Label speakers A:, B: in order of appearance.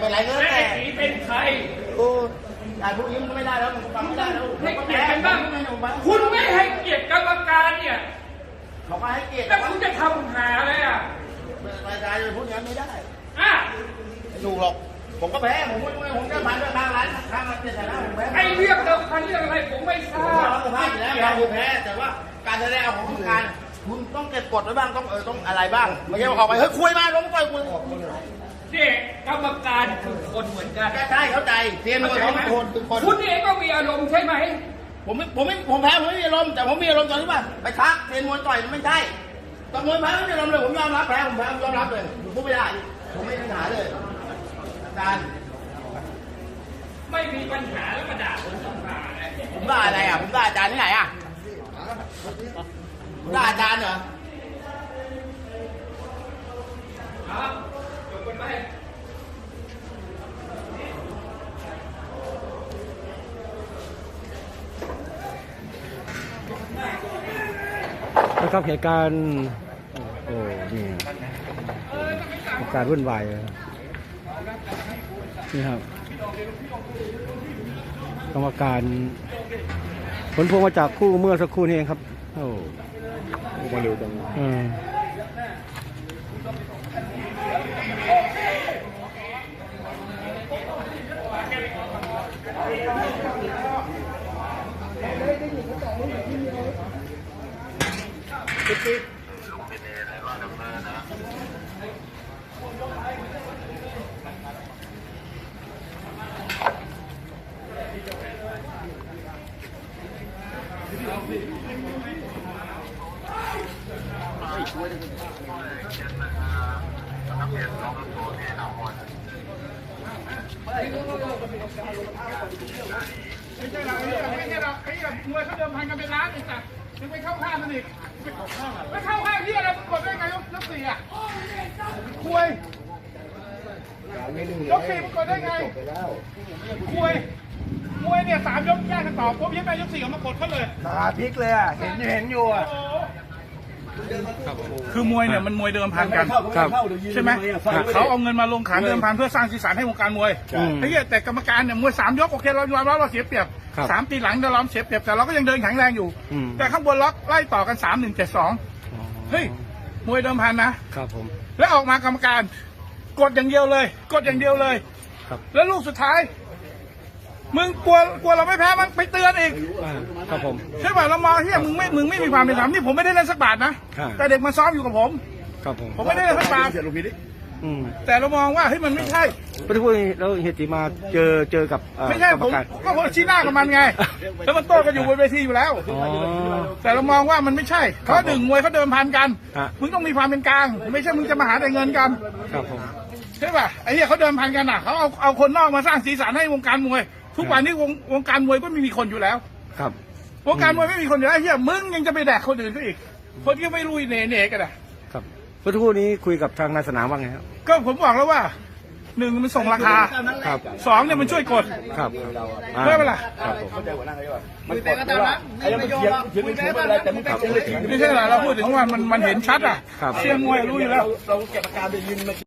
A: อะไรก็
B: และ
A: แต่
B: ไอ้สีเป็นใคร
A: โอ้ยายพูดยิ้มก็ไม่ได้แล้วฟังไม่ได้แล้ว
B: ให้เกียรติกันบ้างคุณไม่ให้เกียรติกรรมการเนี่ย
A: เขาก็ให้เกียรติ
B: แล้วคุณจะทำหาอะไรอ่ะ
A: รายการจะพูดอย่างนี้ไม่ได้
B: อ่ะ
A: ไม่ถูกหรอกผมก็แพ้ผมจะผ่านไปทางร้านทางร้านเจ็ดนะผมแพ้
B: ไอ้เรื่องเดิมพันเรื่องอะไรผมไม่ทรา
A: ผม
B: บ
A: รับสภาพอยู่แล้วเราแพ้แต่ว่าการแสดงออกของการคุณต้องเก็บกดไว้บ้างต้องอะไรบ้างไม่ใช่ว่าออกไปเฮ้ยคุยมาล้มต่อยคุย
B: เนี่ยกรรมการคือคนเหมือนกัน
A: ใช่เข้าใจเทียนมวยเขาคนทุกคน
B: คุณเองก็มีอารมณ์ใช่ไหม
A: ผมแพ้ผมไม่มีอารมณ์แต่ผมมีอารมณ์ตอนที่ว่าไปทักเทียนมวยต่อยมันไม่ใช่ตอนมวยแพ้ไม่มีอารมณ์เลยผมยอมรับแพ้ผมแพ้ผมยอมรับเลยผมพูดไม่ได้ผมไม่มีปัญหาเลยอาจารย์
B: ไม่มีปัญหาแล้วมาด่าผมต้องหาอะไร
A: ผมด่าอะไรอ่ะผมด่าอาจารย์ที่ไหนอ่ะผมด่าอาจารย์เหรอ
B: ครับจบกันไป
C: นะครับเหตุการณ์โอ้นี่เหตุการณ์วุ่นวายเลยนี่ครับกรรมการผลพวงมาจากคู่เมื่อสักครู่นี้เองครับโอ้มาเร็วจัง
D: ไม่ใช่หรอกไม่ใช่หรอกไอ้มวยเขาเดิมพันกันเป็นล้านอีกแต่ยังไปเข้าข้างมันอีกไม่เข้าข้างที่อะไรกดได้ไงยกสี่อ่ะคุยยกสี่มันกดได้ไงคุยมวยเนี่ย3 ยกแยกกันต่อปุ๊บยังไงยก4ออกมากดเขาเลย
E: ขาพลิกเลยอ่ะ เห็นอยู่อ่ะ
D: คือมวยเนี่ยมันมวยเดิมพันกัน
C: ครับ
D: ใช่ไหมเขาเอาเงินมาลงขันเดิมพันเพื่อสร้างสีสันให้วงการมวยไอ้เหี้ยแต่กรรมการเนี่ยมวย3 ยกโอเคเรายอมรับเราเสียเปรียบ
C: ครับ
D: 3 ตีหลังเราเสียเปรียบแต่เราก็ยังเดินแข็งแรงอยู่ แต่ข้างบนล็อกไล่ต่อกัน3-1-7-2เฮ้ยมวยเดิมพันนะครับ
C: ผม
D: แล้วออกมากรรมการกดอย่างเดียวเลย กดอย่างเดียวเลย
C: ครับ
D: แล้วลูกสุดท้ายมึงกลัวเราไม่แพ้มันไปเตือนอีก
C: ครับผม
D: ใช่ป่ะเรามองเฮียมึงไม่มีความเป็นธรรมนี่ผมไม่ได้เล่นสักบาทนะครับ แต่เด็กมาซ้อมอยู่กับผม
C: ครับผม
D: ผมไม่ได้เล่นสักบาท แต่เรามองว่าเฮ้ยมันไม่ใช่
C: พอที่พูดแล้วเหตุที่มาเจอกับ
D: ไม่ใช่
C: กรร
D: ผม
C: การ
D: ก็ผมชี้หน้ากับมันไง แล้วมันโต้กันอยู่บนเวทีอยู่แล้ว
C: อ๋อ
D: แต่เรามองว่ามันไม่ใช่เพราะหนึ่งมวยเขาเดิมพันกัน
C: ฮะ
D: มึงต้องมีความเป็นกลาง ไม่ใช่มึงจะมาหาแต่เงินกัน
C: ครับผม
D: ใช่ป่ะไอ้เหี้ยเขาเดิมพันกันอ่ะเขาเอาคนนอกมาสร้างสีสันให้วงการมวย ทุกวันนี้วงการมวยก็ไม่มีคนอยู่แล้ว
C: ครับ
D: วงการมวยไม่มีคนอยู่แล้วไอ้เหี้ยมึงยังจะไปแดกคนอื่นเขาอีก คนที่ไม่รู้เน่กันอ่ะ
C: ครับพอที่พูดนี้คุยกับทางนายสนามว่าไงครับ
D: ก็ผมบอกแล้วว่าหนึ่งมันส่งราคา
C: ครับ
D: สองเนี่ยมันช่วยกด
C: ครับ
D: ได้ปะล่ะ
C: ครับผม
E: มันกดไม่ว่าไอ้มันเถียงไม่ถูกอะไรแต่มึงเถียงเลย
D: ไม่ใช่เหรอเราพูดถึงว่ามันเห็นชัดอ่ะ
C: ครับ
D: เชียร์มวยรู้อยู่แล้ว
E: เราเก็บอาการไปยืนมา